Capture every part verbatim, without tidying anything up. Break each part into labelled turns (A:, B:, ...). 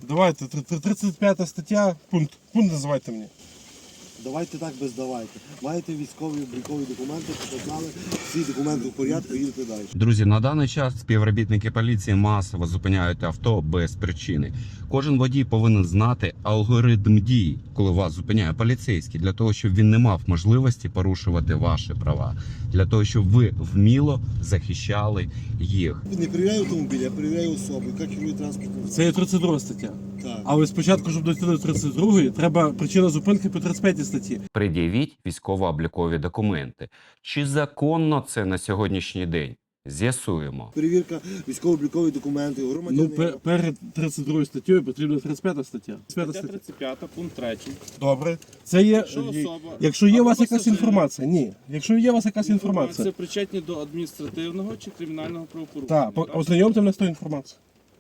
A: Давайте, тридцять п'ята стаття, пункт. Пункт називайте мені.
B: Давайте так без давайте. Маєте військові облікові документи, показали, всі документи в порядку, їдете далі.
C: Друзі, на даний час співробітники поліції масово зупиняють авто без причини. Кожен водій повинен знати алгоритм дій, коли вас зупиняє поліцейський, для того, щоб він не мав можливості порушувати ваші права, для того, щоб ви вміло захищали їх.
B: Не перевіряю автомобіль, я перевіряю особу, яка керує транспортним.
A: Це є тридцять друга стаття.
B: Так.
A: Але спочатку, щоб дойти до тридцять другої, треба причина зупинки по тридцять п'ятій статті.
C: Пред'явіть військово-облікові документи. Чи законно це на сьогоднішній день? З'ясуємо.
B: Перевірка військово-облікові документи,
A: Ну,
B: громадянина.
A: пер- перед тридцять другою статтею потрібна тридцять п'ята стаття.
D: Стаття тридцять п'ята, пункт третій.
A: Добре. Це є,
D: Якщо особа
A: якщо є у
D: або
A: вас якась
D: пасажир-
A: інформація, ні. Якщо є у вас якась інформація,
D: Це причетні до адміністративного чи кримінального правопорушення.
A: так, по- ознайомте мене з тою інформацією.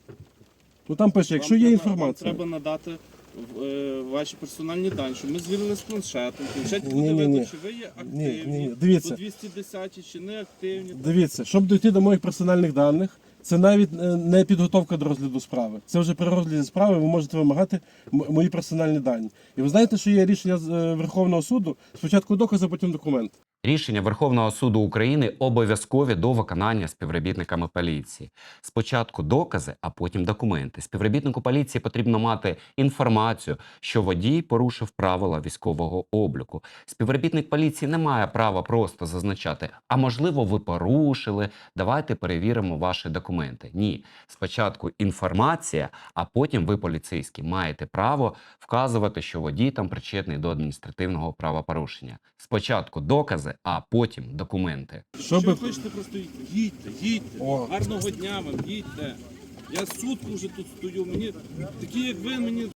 A: Ну там пише, якщо
D: Вам
A: є
D: треба-
A: інформація.
D: Вам треба надати е, ваші персональні дані, щоб ми звірили з планшетом. В планшеті
A: Ні,
D: буде
A: ні,
D: видно,
A: ні.
D: чи ви є
A: Ні,
D: активні,
A: ні, ні. Дивіться.
D: по двісті десятій чи не активні.
A: Дивіться, щоб дійти до моїх персональних даних, це навіть е, не підготовка до розгляду справи. Це вже при розгляді справи ви можете вимагати м- мої персональні дані. І ви знаєте, що є рішення з е, Верховного суду, спочатку докази, потім документ.
C: Рішення Верховного суду України обов'язкові до виконання співробітниками поліції. Спочатку докази, а потім документи. Співробітнику поліції потрібно мати інформацію, що водій порушив правила військового обліку. Співробітник поліції не має права просто зазначати, а можливо ви порушили, давайте перевіримо ваші документи. Ні, спочатку інформація, а потім ви, поліцейський, маєте право вказувати, що водій там причетний до адміністративного правопорушення. Спочатку докази, а потім документи.
D: Якщо
A: Щоб...
D: ви хочете просто їдьте, їдьте, їдьте.
A: О.
D: Гарного дня вам, їдьте. Я сутку вже тут стою, мені такі як ви, мені